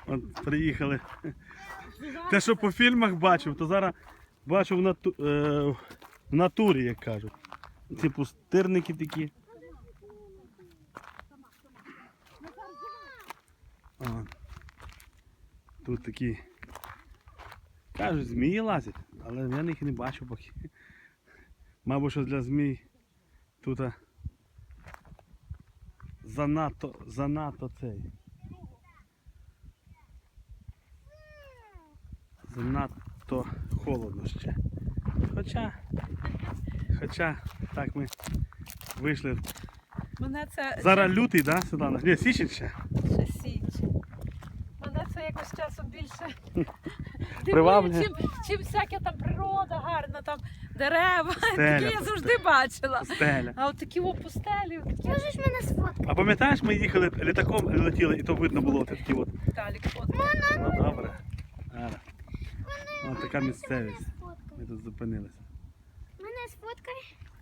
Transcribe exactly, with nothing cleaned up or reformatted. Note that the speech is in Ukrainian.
От приїхали. Те, що по фільмах бачив, то зараз бачу в, нату... е... в натурі, як кажуть. Ці пустирники такі. О. Тут такі, кажуть, змії лазять, але я їх не бачу поки. Мабуть, що для змій тут занадто, занадто цей. Занадто холодно ще. Хоча, хоча, так ми вийшли. Мене це Зараз лютий, да, Світлана? Ні, січень ще. ще січ. Мене це якось часом більше Приваблює. дивує, чим, чим всяка там природа гарна, там дерева. Стеля, Такі я завжди бачила. Стеля. А от такі о пустелі, такі Можеш мене сфоткати? А пам'ятаєш, ми їхали літаком, летіли, і то видно було такі от. Віталік фото. Ну добре. Ара. Ось така місцевість. Ми тут зупинилися. Мене сфоткай.